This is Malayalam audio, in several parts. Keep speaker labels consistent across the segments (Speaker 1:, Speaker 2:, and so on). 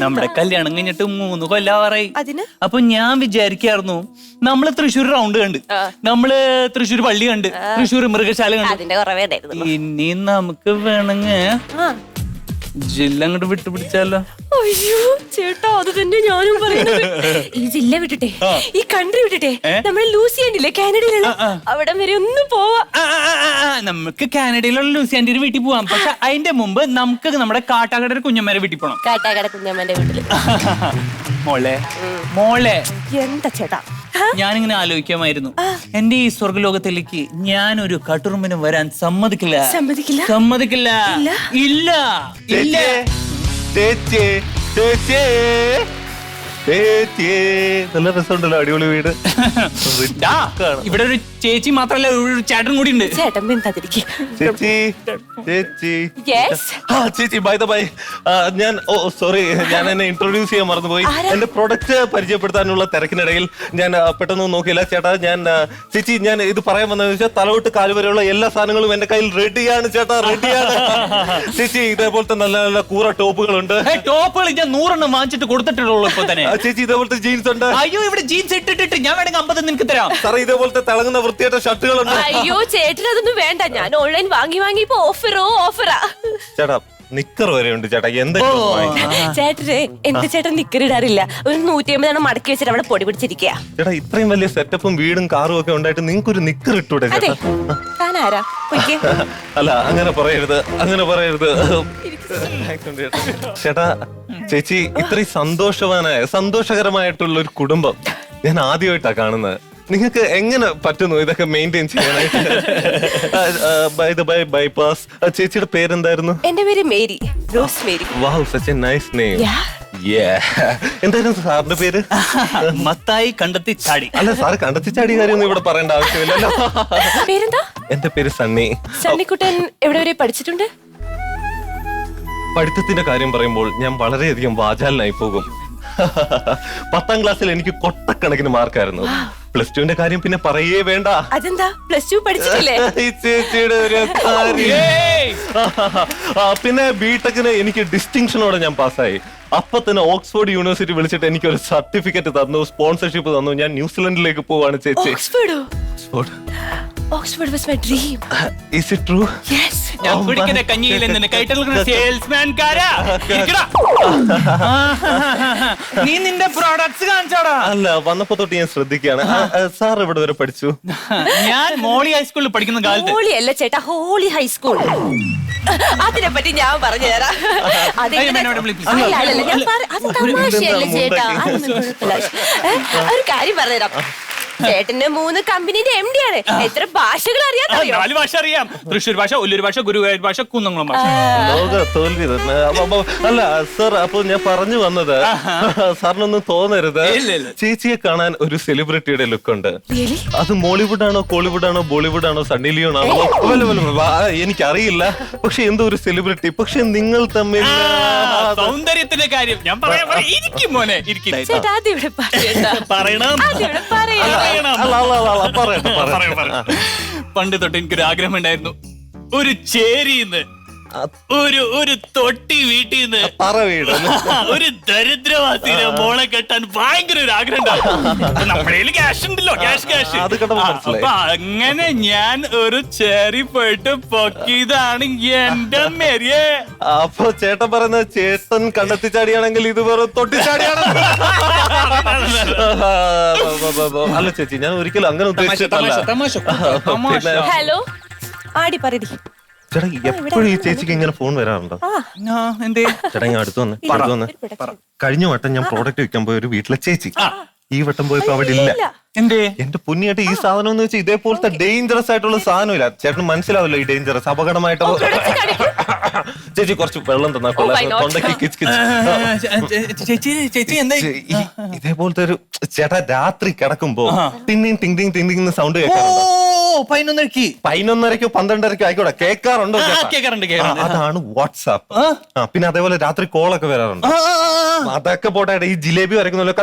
Speaker 1: നമ്മുടെ കല്യാണം കഴിഞ്ഞിട്ട് 3 കൊല്ലാവാറായി.
Speaker 2: അതിന്
Speaker 1: അപ്പൊ ഞാൻ വിചാരിക്കായിരുന്നു നമ്മള് തൃശ്ശൂർ റൗണ്ട് കണ്ട്, നമ്മള് തൃശ്ശൂർ പള്ളി കണ്ട്, തൃശ്ശൂർ മൃഗശാല കണ്ട്.
Speaker 2: അതിന്റെ കുറവേ ഉണ്ടായിരുന്നു.
Speaker 1: ഇനി നമുക്ക് വേണമെങ്കിൽ ജില്ല അങ്ങോട്ട് വിട്ടുപിടിച്ചാലോ?
Speaker 2: അയ്യോ ചേട്ടാ, അത് തന്നെ ഞാനും പറയുന്നത്. ഈ ജില്ല വിട്ടിട്ടെ, ഈ കൺട്രി വിട്ടിട്ടെ, നമ്മള് ലൂസിയാൻഡില്ലേ കാനഡയിലുള്ള, അവിടെ വരെ ഒന്ന് പോവാ.
Speaker 1: നമുക്ക് കാനഡയിലുള്ള ലൂസിയാൻഡിന്റെ വീട്ടിൽ പോവാം. പക്ഷെ അതിന്റെ മുമ്പ് നമുക്ക് നമ്മുടെ കാട്ടാക്കട കുഞ്ഞമ്മേരെ വീട്ടിൽ പോണം.
Speaker 2: കാട്ടാക്കട കുഞ്ഞമ്മന്റെ വീട്ടില്.
Speaker 1: മോളെ മോളെ
Speaker 2: എന്താ ചേട്ടാ?
Speaker 1: ഞാനിങ്ങനെ ആലോചിക്കാമായിരുന്നു, എന്റെ ഈ സ്വർഗലോകത്തിലേക്ക് ഞാനൊരു കട്ടുറുമ്പിന് വരാൻ സമ്മതിക്കില്ല.
Speaker 2: സമ്മതിക്കില്ല?
Speaker 1: സമ്മതിക്കില്ല. ഇല്ല ഇല്ല.
Speaker 3: ചേച്ചി ചേച്ചി ചേച്ചി, നല്ല രസമുണ്ടല്ലോ, അടിപൊളി വീട്.
Speaker 1: ഇവിടെ ഒരു ചേച്ചി മാത്രല്ല, ഒരു ചേട്ടൻ കൂടി ഉണ്ട്.
Speaker 2: ചേട്ടൻ മിണ്ടാതിരിക്ക്.
Speaker 3: ചേച്ചി ചേച്ചി ചേച്ചി, ബൈ ദ ബൈ, ഞാൻ സോറി, ഞാൻ എന്നെ ഇൻട്രൊഡ്യൂസ് ചെയ്യാൻ മറന്നുപോയി. എന്റെ പ്രൊഡക്റ്റ് പരിചയപ്പെടുത്താനുള്ള തിരക്കിനിടയിൽ ഞാൻ പെട്ടെന്ന് നോക്കിയില്ല. ചേട്ടാ, ഞാൻ ചേച്ചി, ഞാൻ ഇത് പറയാൻ വന്നതെന്ന് വെച്ചാൽ തലവിട്ട് കാല് വരെയുള്ള എല്ലാ സാധനങ്ങളും എന്റെ കയ്യിൽ റെഡിയാണ് ചേട്ടാ, റെഡിയാണ്. ചേച്ചി, ഇതേപോലത്തെ നല്ല നല്ല കൂറ ടോപ്പുകളുണ്ട്.
Speaker 1: ടോപ്പുകൾ ഞാൻ 100 വാങ്ങിച്ചിട്ട് കൊടുത്തിട്ടുള്ളൂ ഇപ്പൊ തന്നെ.
Speaker 3: ചേച്ചി, ഇതേപോലത്തെ ജീൻസ് ഉണ്ട്.
Speaker 1: അയ്യോ, ഇവിടെ ജീൻസ് ഇട്ടിട്ട് ഞാൻ വേണമെങ്കിൽ 50 നിനക്ക് തരാം.
Speaker 3: സാറേ, ഇതേപോലത്തെ തിളങ്ങുന്ന വൃത്തിയായിട്ട ഷർട്ടുകളുണ്ട്.
Speaker 2: അയ്യോ ചേട്ടൻ അതൊന്നും വേണ്ട, ഞാൻ ഓൺലൈൻ വാങ്ങി ഇപ്പൊ ഓഫറാ.
Speaker 3: ചേട്ടാ, നിക്കർ വരെ ഉണ്ട് ചേട്ടാ.
Speaker 2: ചേട്ടനെ എന്റെ ചേട്ടൻ നിക്കറിടാറില്ല. ഒരു 150 മടക്കി വെച്ചിട്ട് അവിടെ പൊടി പിടിച്ചിരിക്കുക.
Speaker 3: ചേട്ടാ, ഇത്രയും വലിയ സെറ്റപ്പും വീടും കാറും ഒക്കെ ഉണ്ടായിട്ട് നിങ്ങൾക്ക് ഒരു നിക്കർ ഇട്ടൂടെ ചേട്ടാ?
Speaker 2: താനാരാ?
Speaker 3: അല്ല, അങ്ങനെ പറയരുത്, അങ്ങനെ പറയരുത് ചേട്ടാ. ചേച്ചി, ഇത്രയും സന്തോഷകരമായിട്ടുള്ള ഒരു കുടുംബം ഞാൻ ആദ്യമായിട്ടാ കാണുന്നത്. നിങ്ങൾക്ക് എങ്ങനെ പറ്റുന്നു ഇതൊക്കെ മെയിൻറ്റെയിൻ ചെയ്യാനായിട്ട്? ബൈപ്പാസ്. ചേച്ചിയുടെ പേരെന്തായിരുന്നു?
Speaker 2: എന്റെ പേര് Mary, Rose Mary.
Speaker 3: Wow, such a nice name. എന്തായിരുന്നു സാറിന്റെ പേര്?
Speaker 1: മത്തായി കണ്ടെത്തി ചാടി.
Speaker 3: അല്ല, സാറ് കണ്ടെത്തി ചാടിയ കാര്യമൊന്നും ഇവിടെ പറയേണ്ട ആവശ്യമില്ലല്ലോ.
Speaker 2: പേരെന്താ?
Speaker 3: എന്റെ പേര് സണ്ണി.
Speaker 2: സണ്ണിക്കുട്ടൻ എവിടെ വരെ പഠിച്ചിട്ടുണ്ട്?
Speaker 3: പഠിത്തത്തിന്റെ കാര്യം പറയുമ്പോൾ ഞാൻ വളരെയധികം വാചാലനായി പോകും. 10ാം ക്ലാസ്സിൽ എനിക്ക് കൊട്ടക്കണക്കിന് മാർക്കായിരുന്നു. +2ന്റെ കാര്യം പിന്നെ പറയേ വേണ്ട.
Speaker 2: അതെന്താ, +2 പഠിച്ചിട്ടില്ലേ?
Speaker 3: ഈ ചേച്ചിയുടെ ഒരു പിന്നെ ബിടെക്കിന് എനിക്ക് ഡിസ്റ്റിങ്ഷനോടെ ഞാൻ പാസ്സായി. അപ്പൊ തന്നെ ഓക്സ്ഫോർഡ് യൂണിവേഴ്സിറ്റി വിളിച്ചിട്ട് എനിക്ക് ഒരു സർട്ടിഫിക്കറ്റ് തന്നു, സ്പോൺസർഷിപ്പ് തന്നു. ഞാൻ ന്യൂസിലൻഡിലേക്ക് പോവാണ് ചേച്ചി.
Speaker 2: Oxford was my dream.
Speaker 3: Is it true?
Speaker 2: Yes.
Speaker 1: ഞാൻ കുടിക്കുന്ന കഞ്ഞിയിൽ നിന്ന് കൈട്ടൽക്കുന്ന സെയിൽസ്മാൻകാരാ. നീ നിന്റെ പ്രോഡക്ട്സ് കാണിച്ചോടാ.
Speaker 3: അല്ല, വന്നപ്പോ തൊട്ട് ഞാൻ ശ്രദ്ധിക്കുകയാണ്. സാർ ഇവിടെ വരെ പഠിച്ചു?
Speaker 1: ഞാൻ മോളി ഹൈസ്കൂളിൽ പഠിക്കുന്ന കാലത്ത്.
Speaker 2: മോളി അല്ല ചേട്ടാ, ഹോളി ഹൈസ്കൂൾ. അതിനെ പറ്റി ഞാൻ പറഞ്ഞു തരാം. ഒരു കാര്യം പറഞ്ഞുതരാം. ചേട്ടന് 3 കമ്പനിന്റെ MD ആണ്. എത്ര ഭാഷകൾ അറിയാമോ?
Speaker 1: 4 ഭാഷ അറിയാം. തൃശ്ശൂർ ഭാഷ, ഒല്ലൂർ ഭാഷ, ഗുരുവായൂർ ഭാഷ, കുന്നംകുളം ഭാഷ.
Speaker 3: ലോക തോൽവി തന്നെ. അല്ല സാർ, അപ്പൊ ഞാൻ പറഞ്ഞു വന്നത്, സാറിനൊന്നും തോന്നരുത്, ചേച്ചിയെ കാണാൻ ഒരു സെലിബ്രിറ്റിയുടെ ലുക്ക് ഉണ്ട്. അത് മോളിവുഡ് ആണോ, കോളിവുഡ് ആണോ, ബോളിവുഡ് ആണോ, സണ്ണി ലിയോൺ ആണോ, എനിക്കറിയില്ല. പക്ഷെ എന്തോ ഒരു സെലിബ്രിറ്റി. പക്ഷെ നിങ്ങൾ തമ്മിൽ
Speaker 1: സൗന്ദര്യത്തിന്റെ കാര്യം ഞാൻ പറയാം. മോനെ പറയണം. പണ്ട് തൊട്ട് എനിക്കൊരു ആഗ്രഹം ഉണ്ടായിരുന്നു, ഒരു ചേരിന്ന് ഒരു തൊട്ടി വീട്ടിന്ന് ഒരു ദരിദ്രവാസിനെ മോളെ കെട്ടാൻ ഭയങ്കര ഒരു ആഗ്രഹം ഉണ്ടായിരുന്നു. നമ്മുടെ ക്യാഷ് ഉണ്ടല്ലോ, ക്യാഷ്. അപ്പൊ അങ്ങനെ ഞാൻ ഒരു ചേരി പോയിട്ട് പൊക്കിയതാണ് എന്റെ മേരിയെ.
Speaker 3: അപ്പൊ ചേട്ടൻ പറയുന്നത് ചേട്ടൻ കണ്ടെത്തി ചാടിയാണെങ്കിൽ ഇത് വേറെ തൊട്ടി ചാടിയാണ്. അല്ല ചേച്ചി, ഞാൻ ഒരിക്കലും അങ്ങനെ ഉദ്ദേശിച്ചിട്ടല്ല.
Speaker 2: ഹലോ, ആടി പറയടി.
Speaker 3: ചേട്ടാ, എപ്പോഴും ഈ ചേച്ചിക്ക് ഇങ്ങനെ ഫോൺ വരാറുണ്ടോ? ചേട്ടാ, ഞാൻ അടുത്ത് വന്ന് കഴിഞ്ഞ വട്ടം ഞാൻ പ്രോഡക്റ്റ് വിൽക്കാൻ പോയ ഒരു വീട്ടിലെ ചേച്ചി ഈ വട്ടം പോയപ്പോ അവിടെ ഇല്ല. എന്റെ പുണ്യായിട്ട് ഈ സാധനം എന്ന് വെച്ചാൽ ഇതേപോലത്തെ ഡേഞ്ചറസ് ആയിട്ടുള്ള സാധനമില്ല. ചേട്ടന് മനസ്സിലാവില്ല ഈ ഡേഞ്ചറസ് അപകടമായിട്ട്. ചേച്ചി കുറച്ച് വെള്ളം തന്നാ ഇതേപോലത്തെ ഒരു ചേട്ടാ രാത്രി കിടക്കുമ്പോ ടിന്നിങ് ടിങ് ടിങ് ടിങ് സൗണ്ട് കേൾക്കാറുണ്ട്.
Speaker 1: 11:30.
Speaker 3: 11:30 12:30 ആയിക്കോട്ടെ, കേൾക്കാറുണ്ടോ?
Speaker 1: കേൾക്കാറുണ്ട്.
Speaker 3: അതാണ് വാട്സാപ്പ്. പിന്നെ അതേപോലെ രാത്രി കോളൊക്കെ വരാറുണ്ട്. അതൊക്കെ പോട്ടെ, ഈ ജിലേബി വരയ്ക്കുന്നല്ലോ,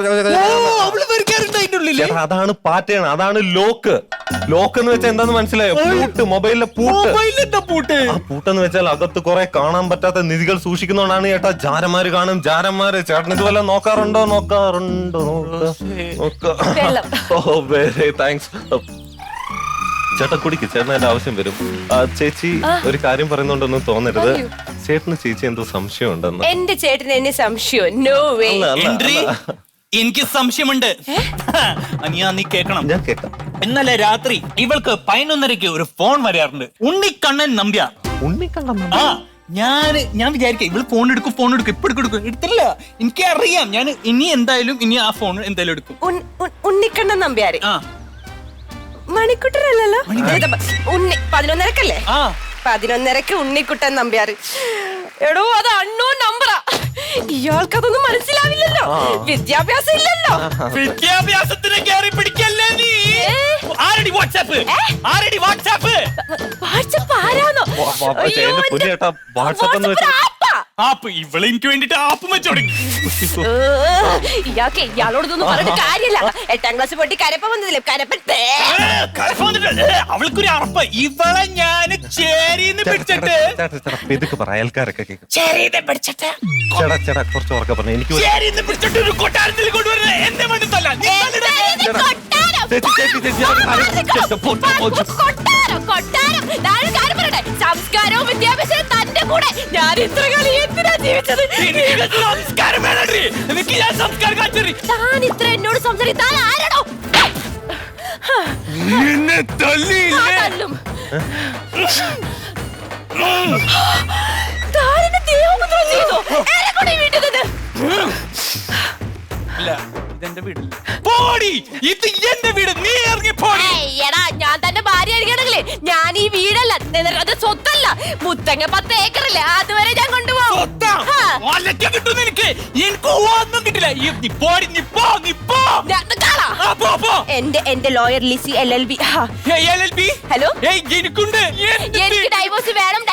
Speaker 3: അതാണ് പാറ്റേൺ, അതാണ് ലോക്ക്. ലോക്ക് എന്ന് വെച്ചാൽ എന്താന്ന് മനസ്സിലായോ? പൂട്ട്, മൊബൈലിലെ പൂട്ട്. ആ പൂട്ടെന്ന് വെച്ചാൽ അകത്ത് കുറെ കാണാൻ പറ്റാത്ത നിധികൾ സൂക്ഷിക്കുന്നോണ്ടാണ് ചേട്ടാ. ജാരന്മാര് കാണും, ജാരന്മാര്. ചേട്ടൻ ഇതുപോലെ നോക്കാറുണ്ടോ? ഓ വെരി താങ്ക്സ്. ചേട്ടാ കുടിക്ക്, ചേട്ടൻ എന്റെ ആവശ്യം വരും. ചേച്ചി ഒരു കാര്യം പറയുന്നുണ്ടൊന്നും തോന്നരുത്. ചേട്ടന് ചേച്ചി എന്തോ സംശയം ഉണ്ടെന്ന്.
Speaker 2: എന്റെ ചേട്ടന് എന്നെ സംശയം? No way.
Speaker 1: എനിക്ക് സംശയമുണ്ട്. നീ കേക്കണം.
Speaker 3: ഞാൻ കേൾക്കാം.
Speaker 1: ഇന്നലെ രാത്രി ഇവൾക്ക് 11:30 ഒരു ഫോൺ വരാറുണ്ട്. ഉണ്ണിക്കണ്ണൻ നമ്പ്യാർ. ആ ഞാൻ വിചാരിക്കാം ഇവള് ഫോൺ എടുക്കും ഇപ്പൊ എടുക്കും. എടുത്തില്ല, എനിക്ക് അറിയാം. ഞാൻ ഇനി ആ ഫോൺ എന്തായാലും എടുക്കും.
Speaker 2: ഉണ്ണിക്കണ്ണൻ നമ്പ്യാര് മണിക്കുട്ടനല്ലല്ലോ. 11:30 11:30 ഉണ്ണിക്കുട്ടൻ നമ്പ്യാര്. എടോ അത് അണ്ണോൺ നമ്പറാ. ഇയാൾക്കതൊന്നും മനസ്സിലാവില്ലല്ലോ, വിദ്യാഭ്യാസം ഇല്ലല്ലോ.
Speaker 1: വിദ്യാഭ്യാസത്തിന് കയറി പിടിക്കല്ലേ നീ. ആരടി വാട്സാപ്പ്?
Speaker 2: വാട്സാപ്പ് ആരാന്നോ?
Speaker 1: ആപ്പ് ഇവള് എനിക്ക് വേണ്ടിട്ട് ആപ്പ് വെച്ചോടുങ്ങി.
Speaker 2: ഇയാളോടൊന്നും പറഞ്ഞിട്ട് കാര്യമില്ല. 8ാം ക്ലാസ് പൊട്ടി കരപ്പ വന്നതില്ലേ,
Speaker 1: അവൾക്കൊരു അറപ്പ്. ഇവളെ ഞാൻ ചേരിന്ന് പിടിച്ചിട്ട്
Speaker 3: കുറച്ച് ഉറക്കെ പറഞ്ഞു. എനിക്ക്
Speaker 1: ചേരിന്ന് പിടിച്ചിട്ട് ഒരു കൊട്ടാരത്തിൽ കൊണ്ടുവരുന്നത് എന്റെ മനസ്സല്ല.
Speaker 2: സംസ്കാരവും വിദ്യാഭ്യാസവും തന്റെ കൂടെ. ഞാൻ ഇത്ര കളി എന്തിനാ ജീവിച്ചത്? താൻ ഇത്ര എന്നോട് സംസാരിക്കാൻ ആരാണോ? തല്ലും. താനെന്നെ ദേഹോപദ്രവം ചെയ്തോ? എന്നെ വീട്ടിൽ നിന്ന്
Speaker 1: ഇതെന്റെ വീട്. പോടി, ഇത് എന്റെ വീട്. നീ ഇറങ്ങി പോടി.
Speaker 2: എടാ ഞാൻ തന്റെ ഭാര്യ ആയിരിക്കണെങ്കിലേ ഞാൻ ഈ വീടല്ല, അത് സ്വത്തല്ല. മുത്തങ്ങ 10 ഏക്കറില്ലേ, അതുവരെ ഞാൻ കൊണ്ടുപോകും.
Speaker 1: ഒന്നും കിട്ടില്ല.
Speaker 2: എന്റെ ലോയർ ലിസി LLB. ഹലോ, എനിക്ക് ഡൈവോഴ്സ് വേണം.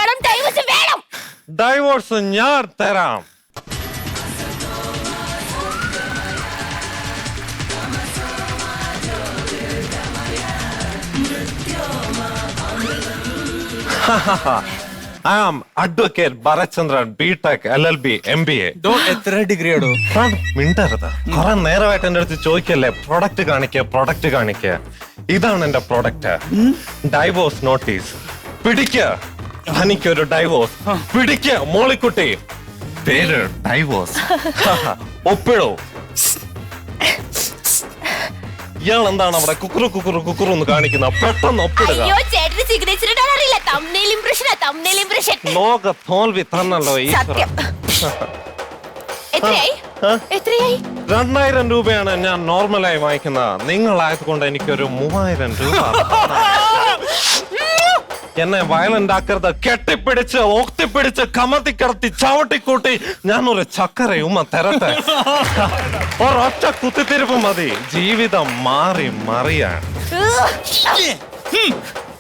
Speaker 3: ഡൈവോഴ്സ് ഞാൻ തരാം. I am Advocate Bharatchandran, B.Tech, LLB, MBA.
Speaker 1: എത്ര ഡിഗ്രിയാടോ?
Speaker 3: മിണ്ടരുത്. കുറെ നേരമായിട്ട് എന്റെ അടുത്ത് ചോദിക്കല്ലേ, പ്രൊഡക്റ്റ് കാണിക്ക. ഇതാണ് എന്റെ പ്രൊഡക്റ്റ്. Divorce notice. പിടിക്ക, എനിക്കൊരു ഡൈവോഴ്സ്. പിടിക്ക മോളിക്കുട്ടി, പേര് ഡൈവോഴ്സ്. ഒപ്പിടോ. ഇയാൾ എന്താണ് അവിടെ കുക്കുറു എന്ന് കാണിക്കുന്ന? പെട്ടെന്ന് ഒപ്പിടുക. ലോക തോൽവി തന്നല്ലോ ഈ. 2000 രൂപയാണ് ഞാൻ നോർമലായി വാങ്ങിക്കുന്നത്. നിങ്ങളായതുകൊണ്ട് എനിക്കൊരു 3000 രൂപ. എന്നെ വയലന്റ് ആക്കരുത്. കെട്ടിപ്പിടിച്ച് ഒത്തിപ്പിടിച്ച് കമത്തി കിടത്തി ചവിട്ടിക്കൂട്ടി ഞാനൊരു ചക്കരയുമ്മ തരട്ടെ. ഒരൊറ്റ കുത്തിത്തിരിപ്പ് മതി ജീവിതം മാറി മറിയാൻ.